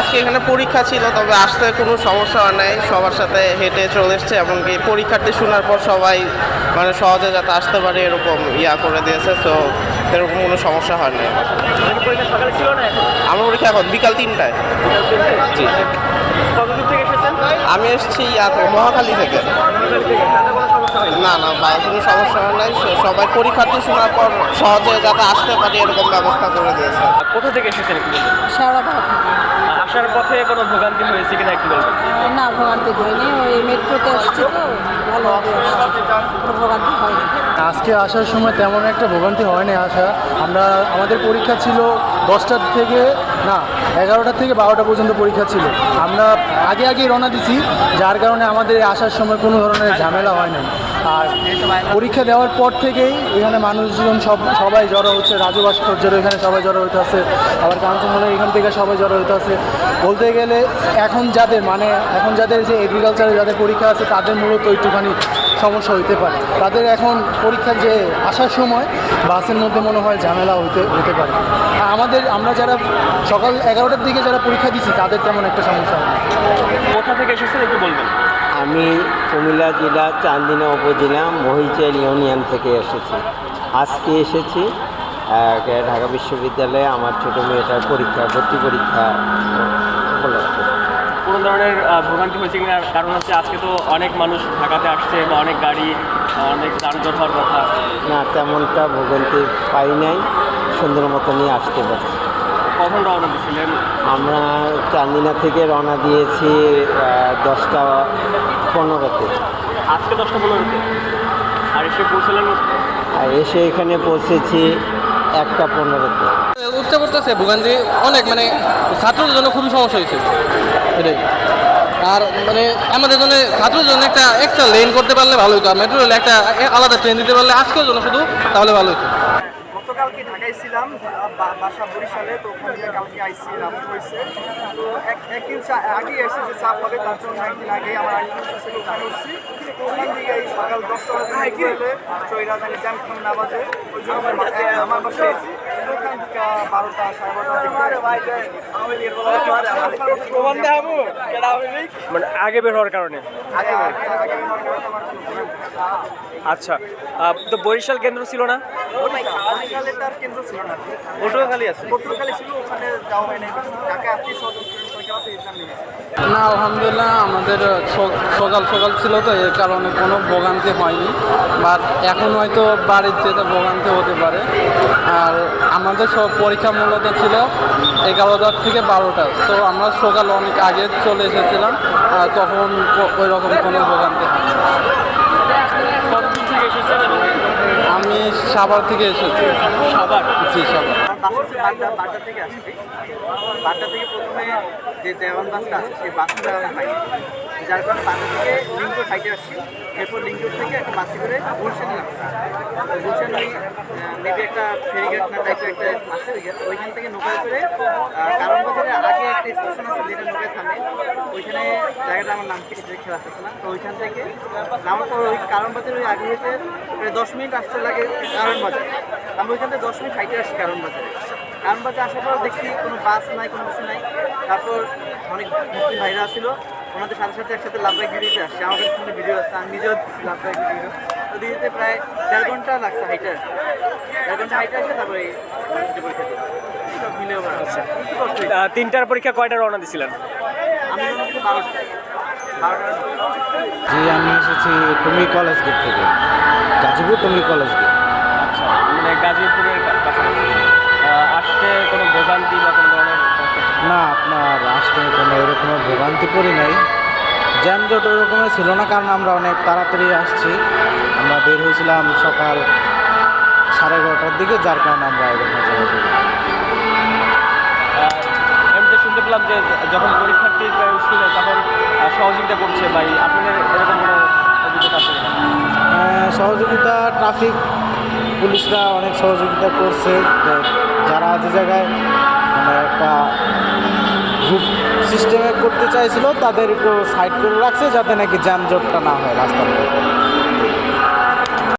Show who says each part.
Speaker 1: আজকে এখানে পরীক্ষা ছিল, তবে আসতে কোনো সমস্যা হয় নাই, সবার সাথে হেঁটে চলে এসছে। এমনকি পরীক্ষার্থী শোনার পর সবাই মানে সহজে যাতে আসতে পারে এরকম করে দিয়েছে। তো এরকম কোনো সমস্যা হয় নাই। আমার পরীক্ষা এখন বিকাল 3টায়। জি, আমি এসেছি মহাখালী থেকে। না না, কোনো সমস্যা হয় নাই, সবাই পরীক্ষার্থী শোনার পর সহজে যাতে আসতে পারে এরকম ব্যবস্থা করে দিয়েছে।
Speaker 2: কোথা থেকে এসেছেন একটু বলবেন?
Speaker 3: শেওড়াপাড়া থেকে।
Speaker 2: আসার পথে কোনো ভোগান্তি হয়েছে কিনা একটু বলবেন?
Speaker 3: না, ভোগান্তি হয়নি, ওই মেট্রোতে আসছি তো ভালোভাবে ভোগান্তি হয়নি।
Speaker 4: আজকে আসার সময় তেমন একটা ভোগান্তি হয়নি। আমাদের পরীক্ষা ছিল 10টার থেকে 11টা থেকে 12টা পর্যন্ত পরীক্ষা ছিল। আমরা আগে রওনা দিছি, যার কারণে আমাদের আসার সময় কোনো ধরনের ঝামেলা হয় নাই। আর পরীক্ষা দেওয়ার পর থেকেই এখানে মানুষজন সবাই জড়ো হচ্ছে। রাজু ভাস্কর্যের এখানে সবাই জড়ো হইতে আছে, আবার কাঞ্চনজঙ্ঘার এখান থেকে সবাই জড়ো হইতে আছে। বলতে গেলে এখন যাদের যে এগ্রিকালচারে যাদের পরীক্ষা আছে তাদের মূলত একটুখানি সমস্যা হইতে পারে। তাদের এখন পরীক্ষার যে আসার সময় বাসের মধ্যে মনে হয় ঝামেলা হতে পারে। আমরা যারা সকাল 11টার দিকে যারা পরীক্ষা দিচ্ছি তাদের তেমন একটা সমস্যা হয় না।
Speaker 2: কোথা থেকে এসেছেন একটু বলবেন?
Speaker 5: আমি কুমিল্লা জেলা চান্দিনা উপজেলা মহিচাল ইউনিয়ন থেকে এসেছি। আজকে এসেছি ঢাকা বিশ্ববিদ্যালয়ে আমার ছোটো মেয়েটার ভর্তি পরীক্ষা উপলক্ষে।
Speaker 2: কোনো ধরনের ভোগান্তি হয়েছে কিনা? কারণ হচ্ছে আজকে তো অনেক মানুষ ঢাকাতে আসছে বা অনেক গাড়ি, অনেক যানজট হওয়ার কথা।
Speaker 5: না, তেমনটা ভোগান্তি পাই নাই, সুন্দর মতো নিয়ে আসতে পারছি।
Speaker 2: কখন রওনা দিয়েছিলেন?
Speaker 5: আমরা চান্দিনা থেকে রওনা দিয়েছি 10টা 15-তে।
Speaker 2: আজকে 10টা 15-তে। আর এসে পৌঁছলেন?
Speaker 5: আর এসে এখানে পৌঁছেছি 1টা 15-তে।
Speaker 6: উঠতে পড়তেছে ভোগান্তি অনেক, মানে ছাত্রদের জন্য খুবই সমস্যা হয়েছে এটাই। আর মানে আমাদের জন্য ছাত্রদের জন্য একটা লেন করতে পারলে ভালো হতো, আর মেট্রো রেলে একটা আলাদা ট্রেন দিতে পারলে আজকের জন্য শুধু তাহলে ভালো হতো।
Speaker 7: গতকালকে ঢাকায় ছিলাম, বাসা বরিশালে, তো ওখান থেকে কালকে আইসি রাত হয়েছে। তো একদিন আগে এসে যে চাপ হবে তার জন্য একদিন আগে আমার ছিল ওখানে উঠছি। তো ওখান থেকে এই সকাল 10টা বাজে হলে রাজধানী জ্যামখান না বাজে, ওই জন্য আমার বাসায় এসেছি। ওখান থেকে 12টা 12:30
Speaker 2: মানে আগে বের হওয়ার কারণে? আচ্ছা, তো বরিশাল কেন্দ্র ছিল না?
Speaker 7: বরিশালে তার কেন্দ্র ছিল না,
Speaker 2: পটুয়াখালী আছে।
Speaker 7: পটুয়াখালী ছিল, ওখানে যাওয়া হয় নাই। ঢাকায় আত্মীয় স্বজন আছে, এক্সাম নিয়েছে।
Speaker 6: না, আলহামদুলিল্লাহ আমাদের সকাল ছিল তো এর কারণে কোনো ভোগান্তি হয়নি। বাট এখন হয়তো বাড়ির যেতে ভোগান্তি হতে পারে। আর আমাদের সব পরীক্ষা মূলত ছিল 11টা থেকে 12টা, তো আমরা সকাল অনেক আগে চলে এসেছিলাম, তখন ওই রকম কোনো ভোগান্তি হয়নি।
Speaker 2: কতদূর থেকে এসেছেন?
Speaker 6: আমি সাভার থেকে এসেছি।
Speaker 2: সাভার?
Speaker 6: জি, সাভার।
Speaker 7: বাড্ডা থেকে আসছি। বাড্ডা থেকে প্রথমে যে দেওয়ান বাসটা আছে সেই বাসটা পাই, যার কারণে বাড্ডা থেকে লিঙ্কোর হাইটে আসছি। এরপর লিঙ্কোর থেকে একটা বাসে করে গুলশানে নামছি। গুলশান ওই মেবি একটা ফেরিঘাট না টাইপের একটা আছে, ওইখান থেকে নৌকায় করে কারণ বাজারে আগে একটা স্টেশন আছে যেটা নৌকায় থামে, ওইখানে জায়গাটা আমার নাম কিছু খেলা আসতেছে না। তো ওইখান থেকে নামার পর ওই কারণ বাজার ওই আগে হয়েছে প্রায় 10 মিনিট আসতে লাগে কারণ বাজার। আমরা ওইখান থেকে 10 মিনিট হাইটে আসছি কারণ বাজারে। কারণ বাজার আসার পর দেখছি কোনো বাস নাই, কোনো কিছু নাই। তারপর অনেক মুসলিম ভাইরা ছিল, ওনাদের সাথে সাথে একসাথে লাভবাইক ভিডিওতে আসছে। আমার কাছে কোনো ভিডিও আসছে, আমি নিজেও লাভবাইক ভিডিও। তো দিতে প্রায় 1.5 ঘন্টা লাগছে হাইটে আসছে। 1.5 ঘন্টা হাইটে আসে তারপরে পরীক্ষা দিই। সব মিলে আচ্ছা।
Speaker 2: 3টার পরীক্ষা কয়টা রওনা দিয়েছিলেন?
Speaker 7: আমি রওনা দিচ্ছি 12টা।
Speaker 5: জি, আমি এসেছি টুমি কলেজ গেট থেকে, গাজীপুর টুমি কলেজ গেট।
Speaker 2: আচ্ছা, মানে গাজীপুরের কাছাকাছি। আসতে কোনো ভোগান্তি বা কোনো ধরনের?
Speaker 5: না, আপনার আসতে কোনো এরকমের ভোগান্তি পড়ি নাই। জ্যামজট ওই রকমের ছিল না, কারণ আমরা অনেক তাড়াতাড়ি আসছি। আমরা বের হয়েছিলাম সকাল 11:30টার দিকে, যার কারণে আমরা এরকম
Speaker 2: এমনিতে শুনতে পেলাম যে যখন পরীক্ষার্থী শুনে তখন সহযোগিতা করছে ভাই, আপনাদের এরকম কোনো অভিজ্ঞতা আছে?
Speaker 5: সহযোগিতা ট্রাফিক পুলিশরা অনেক সহযোগিতা করছে। যারা যে জায়গায় মানে একটা গ্রুপ সিস্টেমে করতে চাইছিল তাদের একটু সাইড করে রাখছে, যাতে নাকি যানজটটা না হয় রাস্তার মধ্যে।